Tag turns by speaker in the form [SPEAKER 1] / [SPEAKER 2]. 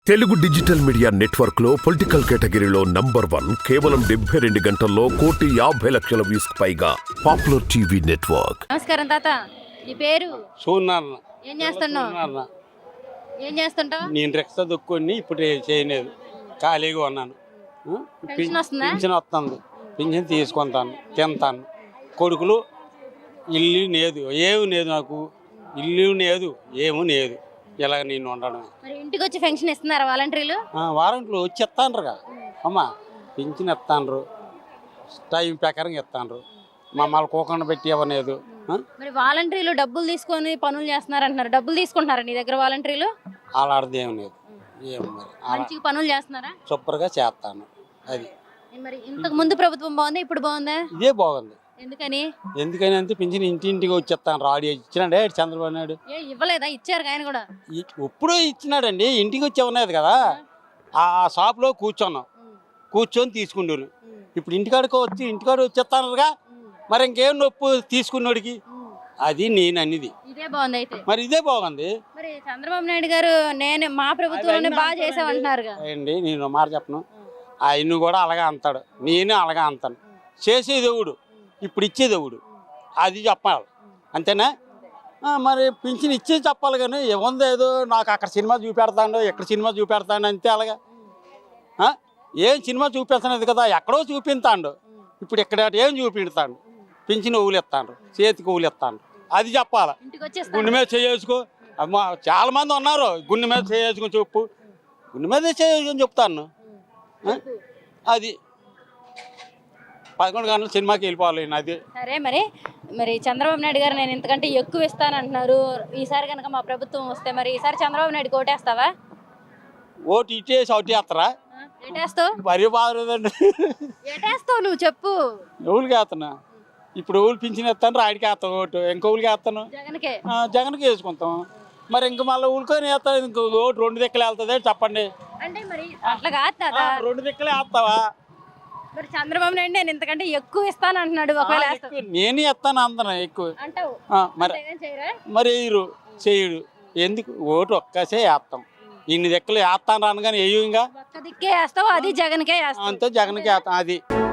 [SPEAKER 1] Telugu digital media network లో political కేటగిరీలో #1 కేవలం 72 గంటల్లో 1,50,00,000 వ్యూస్ పైగా పాపులర్ టీవీ నెట్వర్క్.
[SPEAKER 2] నమస్కారం తాత, నీ పేరు?
[SPEAKER 3] సూర్యనారాయణ.
[SPEAKER 2] ఏం చేస్తున్నావు? ఏం చేస్తుంటావు?
[SPEAKER 3] నేను రిక్షా దొక్కుని ఇప్పుడు చేయలేదు, ఖాళీగా ఉన్నాను.
[SPEAKER 2] పెన్షన్ వస్తుందా?
[SPEAKER 3] పింఛన్ వస్తుంది, పింఛన్ తీసుకుంటాను, తింటాను. కొడుకులు ఇల్లు లేదు, ఏమి లేదు, నాకు ఇల్లు లేదు, ఏమీ లేదు. ఇలా నేను ఉండడం.
[SPEAKER 2] మరి ఇంటికి వచ్చి పెన్షన్ ఇస్తున్నారా వాలంటీర్లు?
[SPEAKER 3] వారంట్లు వచ్చి ఇస్తాండ్రుగా అమ్మా, పింఛన్ ఇస్తాండ్రు, టైం ప్రకారం ఇస్తాండ్రు, మమ్మల్ని కూకుండా పెట్టి ఇవ్వలేదు.
[SPEAKER 2] మరి వాలంటీర్లు డబ్బులు తీసుకొని పనులు చేస్తున్నారు అంటున్నారు, డబ్బులు తీసుకుంటున్నారా నీ దగ్గర వాలంటీర్లు?
[SPEAKER 3] అలాంటిది ఏం లేదు, ఏం మరి
[SPEAKER 2] మంచిగా పనులు చేస్తున్నారా?
[SPEAKER 3] సూపర్గా చేస్తాను. అది
[SPEAKER 2] మరి ఇంతకు ముందు ప్రభుత్వం బాగుందా, ఇప్పుడు బాగుందా?
[SPEAKER 3] ఇదే బాగుంది.
[SPEAKER 2] ఎందుకని?
[SPEAKER 3] ఎందుకని అంటే పింఛన్ ఇంటింటికి వచ్చేస్తాను. రాడి ఇచ్చినాడే చంద్రబాబు నాయుడు.
[SPEAKER 2] ఇవ్వలేదా? ఇచ్చారు ఆయన కూడా.
[SPEAKER 3] ఎప్పుడూ ఇచ్చినాడండి, ఇంటికి వచ్చి ఉన్నది కదా. ఆ షాప్లో కూర్చున్నాం, కూర్చొని తీసుకుంటాను. ఇప్పుడు ఇంటికాడికి వచ్చి ఇంటికాడ వచ్చేస్తానుగా, మరి ఇంకేం నొప్పు తీసుకున్నోడికి. అది నేను అన్నిది.
[SPEAKER 2] ఇదే బాగుంది అయితే.
[SPEAKER 3] మరి ఇదే బాగుంది.
[SPEAKER 2] మరి చంద్రబాబు నాయుడు గారు మా ప్రభుత్వంలోనే బాగా చేసామంటున్నారు
[SPEAKER 3] అండి. నేను మాట చెప్పను, ఆయన కూడా అలాగే అంటాడు, నేను అలాగే అంటాను. చేసే దేవుడు, ఇప్పుడు ఇచ్చే దేవుడు, అది చెప్పాలి, అంతేనా? మరి పింఛన్ ఇచ్చే చెప్పాలి కానీ ఏముంది, ఏదో నాకు అక్కడ సినిమా చూపెడతాడు, ఇక్కడ సినిమా చూపెడతాడు, అంతే. అలాగా ఏం సినిమా చూపిస్తున్నది కదా, ఎక్కడో చూపిస్తాడు. ఇప్పుడు ఇక్కడ ఏం చూపిస్తాడు? పింఛన్ ఊలు ఇస్తాడు, చేతికి ఊలు ఇస్తాడు, అది చెప్పాలి. గుండె మీద చేసుకు అమ్మా, చాలా మంది ఉన్నారు, గుండె మీద చేసుకుని చెప్పు, గుండె మీద చేసుకుని చెప్తాను. అది 11 గంటల సినిమాకి వెళ్ళిపోవాలి. అది
[SPEAKER 2] సరే. మరి చంద్రబాబు నాయుడు గారు నేను ఇంతకంటే ఎక్కువ ఇస్తానంటున్నారు. ఈసారి కనుక మా ప్రభుత్వం వస్తే మరి ఈసారి చంద్రబాబు నాయుడు ఓటేస్తావా?
[SPEAKER 3] ఓటు ఇచ్చేసి ఒకటి వేస్తారా?
[SPEAKER 2] ఏటేస్తావు?
[SPEAKER 3] మరీ బాగుందండి.
[SPEAKER 2] ఏటేస్తావు నువ్వు చెప్పు.
[SPEAKER 3] ఎవరికి వేస్తున్నా? ఇప్పుడు ఊళ్ళు పింఛన్ వేస్తాను, రాడికి వేస్తాను ఓటు. ఇంకోళ్ళకి వేస్తాను, జగన్కి వేసుకుంటాం. మరి ఇంక మళ్ళీ ఊళ్ళుకొని వేస్తాను, ఇంకో ఓటు 2 దిక్కులు వెళ్తుంది. చెప్పండి.
[SPEAKER 2] అంటే మరి అట్లా కాదు కదా,
[SPEAKER 3] 2 దిక్కులే వేస్తావా?
[SPEAKER 2] మరి చంద్రబాబు నాయుడు నేను ఇంతకంటే ఎక్కువ ఇస్తాను అంటున్నాడు. ఒకవేళ
[SPEAKER 3] నేను ఇస్తాను అందన ఎక్కువ
[SPEAKER 2] అంటావు,
[SPEAKER 3] మరి వేయరు, చేయడు. ఎందుకు? ఓటు ఒక్కసే వేస్తాం. ఇన్ని దిక్కులు వేస్తాను రాను కానీ వేయు. ఇంకా
[SPEAKER 2] ఒక్క దిక్కే వేస్తావు, అది జగన్కే వేస్తావు.
[SPEAKER 3] అంతే, జగన్కి వేస్తాం. అది